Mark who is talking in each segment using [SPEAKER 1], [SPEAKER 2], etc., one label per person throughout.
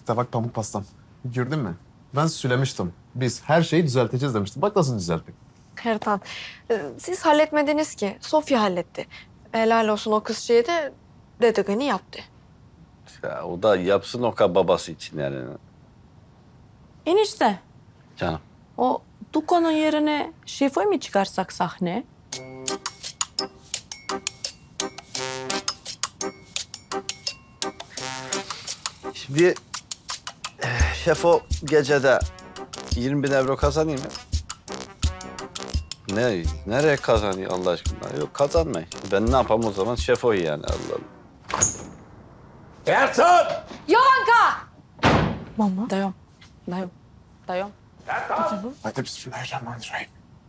[SPEAKER 1] İşte bak pamuk pastam. Gördün mü? Ben söylemiştim. Biz her şeyi düzelteceğiz demiştim. Bak nasıl düzelttik.
[SPEAKER 2] Ertan, siz halletmediniz ki. Sofya halletti. Helal olsun o kızcıya da dediğini yaptı.
[SPEAKER 3] Ya o da yapsın o kadar babası için yani.
[SPEAKER 4] Enişte,
[SPEAKER 3] Canım.
[SPEAKER 4] o Duko'nun yerine Şefo'yu mu çıkarsak sahne?
[SPEAKER 3] Şimdi şef o gecede 20 bin euro kazanayım mı? Ne? Nereye kazanıyor Allah aşkına? Yok kazanmayın. Ben ne yapayım o zaman şef o yani Allah Allah.
[SPEAKER 5] Ertan!
[SPEAKER 4] Yovanka!
[SPEAKER 2] Mama.
[SPEAKER 4] Dayan, dayan, dayan.
[SPEAKER 1] Hadi bismillahirrahmanirrahim.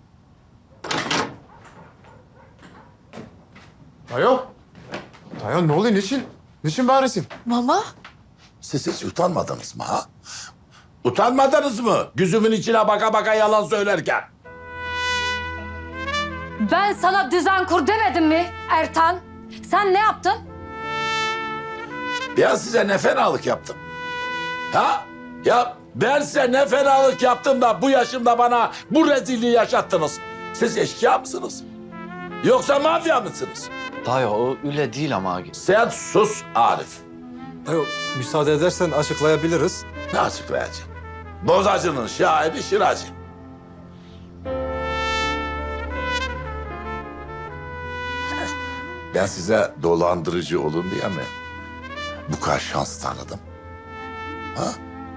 [SPEAKER 1] Dayo. Dayo ne oluyor? Niçin? Niçin bağırıyorsun?
[SPEAKER 2] Mama.
[SPEAKER 5] Siz hiç utanmadınız mı ha? Utanmadınız mı? Gözümün içine baka baka yalan söylerken.
[SPEAKER 6] Ben sana düzen kur demedim mi Ertan? Sen ne yaptın?
[SPEAKER 5] Ben size ne fenalık yaptım? Ha? Ya ben size ne fenalık yaptım da bu yaşımda bana bu rezilliği yaşattınız. Siz eşkıya mısınız? Yoksa mafya mısınız?
[SPEAKER 3] Dayı o öyle değil ama.
[SPEAKER 5] Sen sus Arif.
[SPEAKER 7] Yok, müsaade edersen açıklayabiliriz.
[SPEAKER 5] Ne açıklayacağım? Bozacının şahibi Şiracı. Ben size dolandırıcı olun diye mi bu kadar şans tanıdım? Ha?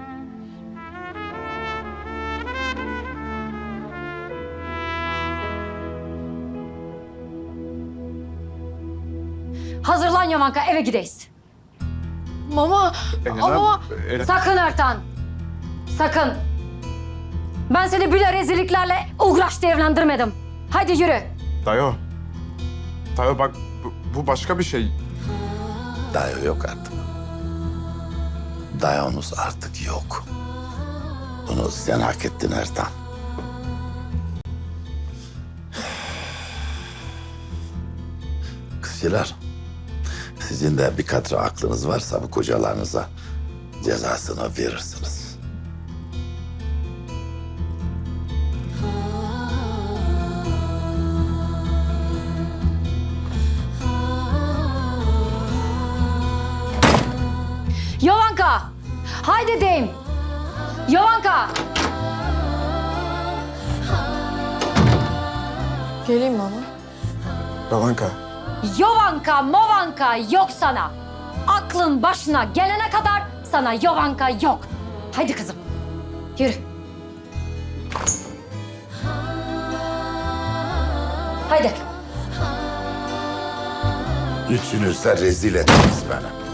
[SPEAKER 6] Hazırlan Yamanka, eve gideyiz.
[SPEAKER 2] Mama. Ama
[SPEAKER 6] Sakın Ertan. Sakın. Ben seni böyle rezilliklerle uğraştı evlendirmedim. Hadi yürü.
[SPEAKER 1] Dayo. Dayo bak bu başka bir şey.
[SPEAKER 5] Dayo yok artık. Dayonuz artık yok. Bunu sen hak ettin Ertan. Kızcılar, sizin de bir katre aklınız varsa bu kocalarınıza cezasını verirsiniz.
[SPEAKER 6] Yamanka. Haydi deyim. Yamanka.
[SPEAKER 2] geleyim mama.
[SPEAKER 1] Babanka.
[SPEAKER 6] Yovanka, movanka yok sana. Aklın başına gelene kadar sana Yovanka yok. Haydi kızım. Yürü. Haydi.
[SPEAKER 5] Üçünüz de rezil ettiniz beni.